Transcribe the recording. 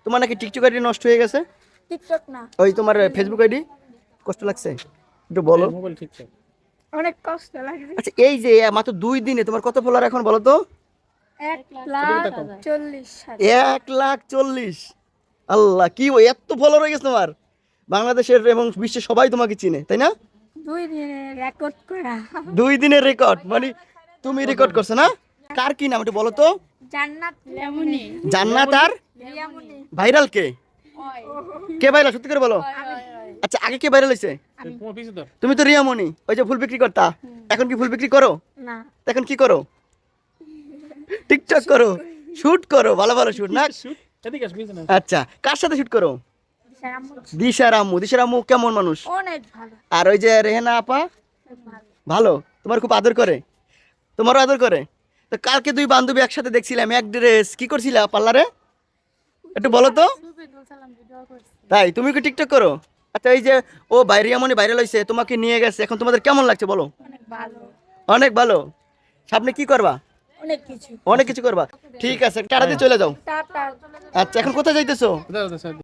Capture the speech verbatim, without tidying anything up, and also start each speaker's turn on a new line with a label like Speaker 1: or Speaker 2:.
Speaker 1: তোমার নাকি TikTok ID নষ্ট হয়ে গেছে?
Speaker 2: টিকটক না,
Speaker 1: ওই তোমার ফেসবুক আইডি কষ্ট লাগছে একটু বলো।
Speaker 3: মোবাইল ঠিকঠাক
Speaker 2: অনেক কষ্ট লাগে।
Speaker 1: আচ্ছা এই যে মাত্র দুই দিনে তোমার কত ফলোয়ার এখন বলো তো?
Speaker 2: এক লাখ চল্লিশ হাজার।
Speaker 1: এক লাখ চল্লিশ। আল্লাহ, কি ওই এত ফলোয়ার হয়ে গেছে তোমার? বাংলাদেশের এবং বিশ্বের সবাই তোমাকে চিনে, তাই না?
Speaker 2: দুই দিনে রেকর্ড করা।
Speaker 1: দুই দিনের রেকর্ড, মানে তুমি রেকর্ড করছো না? কার কি নাম একটু বলো তো?
Speaker 2: জান্নাত লেমনি।
Speaker 1: জান্নাত আর
Speaker 2: রিয়ামনি।
Speaker 1: ভাইরাল কে? কে ভাইরাল সত্যি করে বলো? আচ্ছা আগে কে ভাইরাল হয়েছে?
Speaker 3: তোমার পিছে ধর
Speaker 1: তুমি তো রিয়ামণি, ওই যে ফুল বিক্রি করতা, এখন কি ফুল বিক্রি করো?
Speaker 2: না,
Speaker 1: এখন কি করো? টিকটক করো, শুট করো, ভালো ভালো শুট না?
Speaker 3: শুট এদিকে আস পিছে না
Speaker 1: আচ্ছা কার সাথে শুট করো?
Speaker 2: স্যার আম্মু
Speaker 1: দিশার আম্মু। দিশার আম্মু কেমন মানুষ?
Speaker 2: অনেক ভালো।
Speaker 1: আর ওই যে রেহেনা আপা
Speaker 2: ভালো।
Speaker 1: ভালো, তোমার খুব আদর করে, তোমারও আদর করে। তো কালকে দুই বান্ধবী একসাথে দেখছিলাম, এক ড্রেস, কি করছিলা পার্লারে একটু বলো তো? তাই তুমি কি টিকটক করো? আচ্ছা এই যে ও বাইরে এমনই ভাইরাল হয়েছে, তোমাকে নিয়ে গেছে, এখন তোমাদের কেমন লাগছে বলো?
Speaker 2: অনেক ভালো।
Speaker 1: অনেক ভালো। সামনে কি করবা?
Speaker 2: অনেক কিছু।
Speaker 1: অনেক কিছু করবা। ঠিক আছে টাটা দিয়ে চলে যাও।
Speaker 2: টাটা।
Speaker 1: আচ্ছা এখন কোথায় যাইতেছো?
Speaker 3: দাও দাও